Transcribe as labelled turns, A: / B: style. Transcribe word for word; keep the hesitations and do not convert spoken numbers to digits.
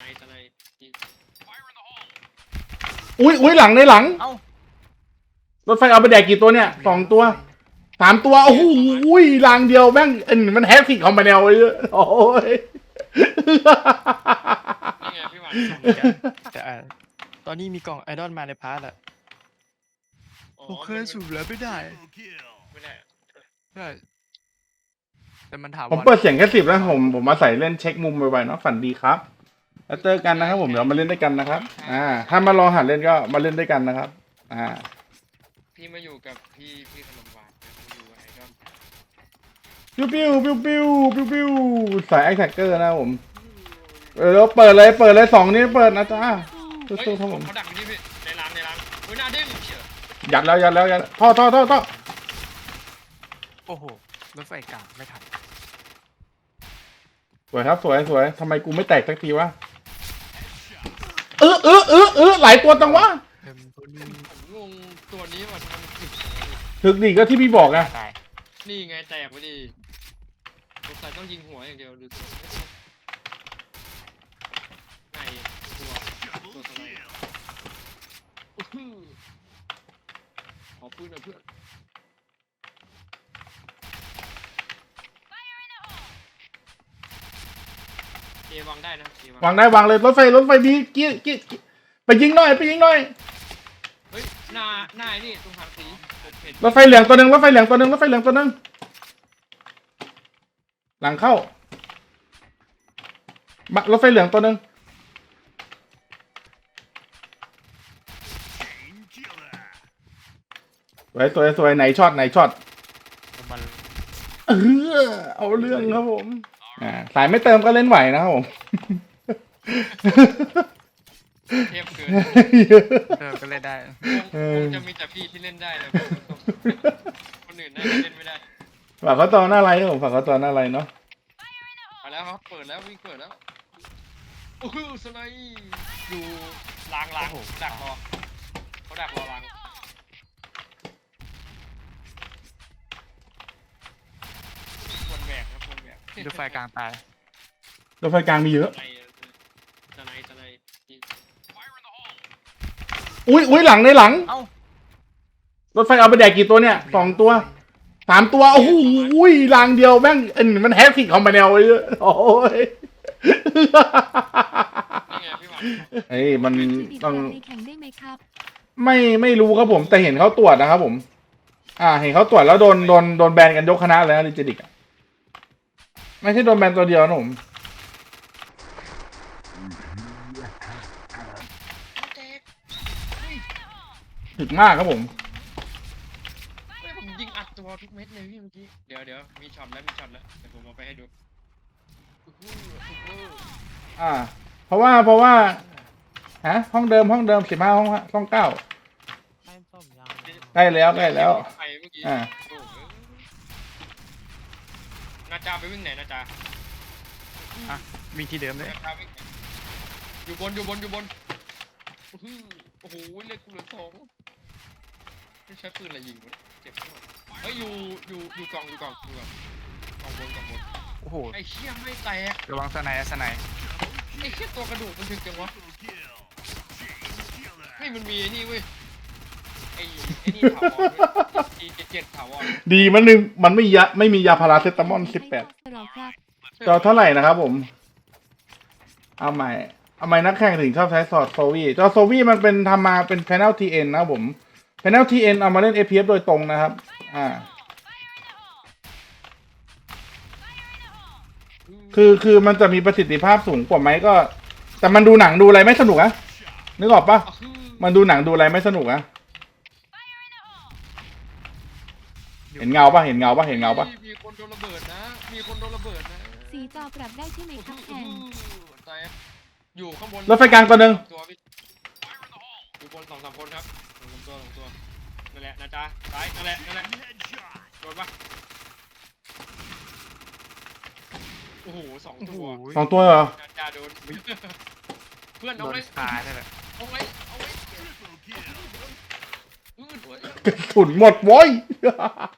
A: สไน
B: อุ้ยอุ้ยหลังในหลัง
C: เอ้าร
B: ถไฟเอาไปแดกกี่ตัวเนี่ยสองตัวสามตัวโอ้โหรางเดียวแม่งเอ็นมันแฮกทิกคอมมาแนวเลยโอ้ย
A: นี่ไงพี่หวาน
C: แต่อ่ะตอนนี้มีกล่องไอดอลมาในพาร์ทอะ
A: อ๋อ
C: ผมเคยสูบแล้วไม่ได้
A: ไม่ได้
C: ใช่แต่มันถาม
B: ผมเปิดเสียงแค่สิบแล้วผมผมมาใส่เล่นเช็คมุมบ่อยๆเนาะฝันดีครับแล้วเจอกันนะครับผมเดี๋ยวมาเล่นด้วยกันนะครับอ่าถ้ามาลองหัดเล่นก็มาเล่นด้วยกันนะครับอ่า
A: พี่มาอยู่กับพี่พี่ขนมหวานมาอยู่ไอดอล
B: ปิ้วปิ้วปิ้วปิ้วปิ้วปิ้วสายแอคแท็กเกอร์นะครับผมเออแล้วเปิดเลยเปิดเลยสองนี้เปิดนะจ๊ะ
A: เฮ้ย
B: สู้ๆครับผม
A: เขาดักอยู่นี่พี่ในร้านในร้านเฮ้ยหน้าเด้งเชียว
B: ยัดแล้วยัดแล้วยัดท่อท่อท่อท่อ
C: โอ้โหรถไฟกลางไม่ทัน
B: สวยครับสวยสวยทำไมกูไม่แตกสักทีวะเออเออเออเออหลายตัวจังวะ
C: เต็มตัวนึง
A: ผมงงตัวนี้ว่าทำไมมันถึกจังวะพี่
B: ถึกดีก็ที่พี่บอกไง
C: ตาย
A: นี่ไงแตกไปดิสงสัยต้องยิงหัวอย่างเดียวดูตัวไงตัวตัวสไนด์อื้อหือขอปืนหน่อยเพื่อนเอวางได้นะเอวาง
B: วางได้วางเลยรถไฟรถไฟดีเกี้ยเกี้ยเกี้ยไปยิงหน่อยไปยิงหน่อย
A: เฮ้ยหน้าหน้าไอ้นี่ตรงทางสีผมเห็น
B: รถไฟเหลืองตัวหนึ่งรถไฟเหลืองตัวหนึ่งรถไฟเหลืองตัวหนึ่งหลังเข้าบักรถไฟเหลืองตัวหนึ่งสวยสวยสวยไหนช็อตไหนช็อต
C: มัน
B: เออเอาเรื่องครับผมอ่าสายไม่เติมก็เล่นไหวนะครับผม
A: เทพเกิน
C: เออก็เลยได้
A: คงคงจะมีแต่พี่ที่เล่นได้เลยคนอื่นน่าจะเล่นไม่ได้
B: ฝากเขาตอนหน้าไรครับผมฝากเขาตอนหน้าไรเนาะ
A: มาแล้วครับเปิดแล้ววิ่งเปิดแล้วโอ้โหสไนด์อยู่ล้างล้างดักรอเขาดักรอล้างวนแบกครับวนแบก
C: รถไฟกลางตาย
B: รถไฟกลางมีเยอะ
A: สไนด์สไนด์สไนด์
B: อุ้ยอุ้ยหลังในหลัง
C: เอ้าร
B: ถไฟเอาไปแดกกี่ตัวเนี่ยสองตัวสามตัวโอ้โหรางเดียวแม่งเอ็นมันแฮกทิกคอมมาแนวเลยโอ้ย
A: นี่ไงพี่หวาน
B: เอ้ยมัน
D: ต้
B: ต้
D: อ
B: อง ง
D: ในแข่งได้ไหมครับ
B: ไม่ไม่รู้ครับผมแต่เห็นเขาตรวจนะครับผม อ่า เห็นเขาตรวจแล้วโดนโดนโดนแบนกันยกคณะเลยนะลิจิดิกไม่ใช่โดนแบนตัวเดียวนะผม
A: แตก
B: ถึกมากครับผม
A: เฮ้ยผมยิงอัดตัวทุกเม็ดเลยพี่เมื่อกี้เดี๋ยวเดี๋ยวมีช็อตแล้วมีช็อตแล้วเดี๋ยวผมเอาไปให้ดูอื้อหืออื้อหือ
B: อ่า เพราะว่าเพราะว่าฮะห้องเดิมห้องเดิมสิบห้าห้องห้องเก้าใกล้แล้วใกล้แล้ว
A: ไปเมื่อกี้
B: อ่า
A: โอ้โหนาจาไปวิ่งไหนนาจา
C: อ่ะวิ่งที่เดิมเลย
A: นาจาวิ่งไหนอยู่บนอยู่บนอยู่บนอื้อหือโอ้โหเลือดกูเหลือสองไม่ใช้ปืนอะไรยิงวะเจ็บมากเฮ้ยอยู่อยู่อยู่กล่องอยู่กล่องอยู่กล่องกล่องบนกล่องบน
C: โอ้โห
A: ไอ้เชี่ยไม่แตก
C: ระวังสไนด์สไนด์
A: ไอ้เชี่ยตัวกระดูกมันถึงจังวะไม่มันมีไอ้นี่เว้ยไอ้ไอ้นี่ถาวรเจ็ดเจ็ดถาวร
B: ดีมันนึงมันไม่ยาไม่มียาพาราเซตามอลสิบแปด
D: เราครับ
B: จอเท่าไหร่นะครับผม เอาใหม่ เอาใหม่นักแข่งถึงชอบใช้สอดโซวี่จอโซวี่มันเป็นทำมาเป็น Panel ที เอ็น นะครับผม Panel ที เอ็น เอามาเล่น เอ พี เอฟ โดยตรงนะครับ อ่า คือคือมันจะมีประสิทธิภาพสูงกว่าไหมก็ แต่มันดูหนังดูอะไรไม่สนุกอะนึกออกปะ
A: อ่ะคือ
B: มันดูหนังดูอะไรไม่สนุกอะเห็นเงาปะเห็นเงาปะเห็นเงาปะ
A: มีคนโดนระเบิดนะ มีคนโดนระเบิดนะ
D: สีจอปรับได้ใช่ไหมครับแข่ง
A: ตายอยู่ข้างบน
B: รถไฟกลางตัวหนึ่ง
A: ตัวพี่อยู่บนสองสามคนครับสองสามตัวสองตัวนั่นแหละนะจ๊ะซ้ายนั่นแหละนั่นแหละโดนปะโอ้โหสอง
C: โอ้โห
A: ตัว
B: สองตัวเหรอ
A: นะจ๊ะโดน เพื่อน
C: โด
A: เอา
C: น
A: ไว้
C: คาได้แหละ
A: เอาไว้เอาไว้อืดไว้
B: กระสุนหมดโว้ย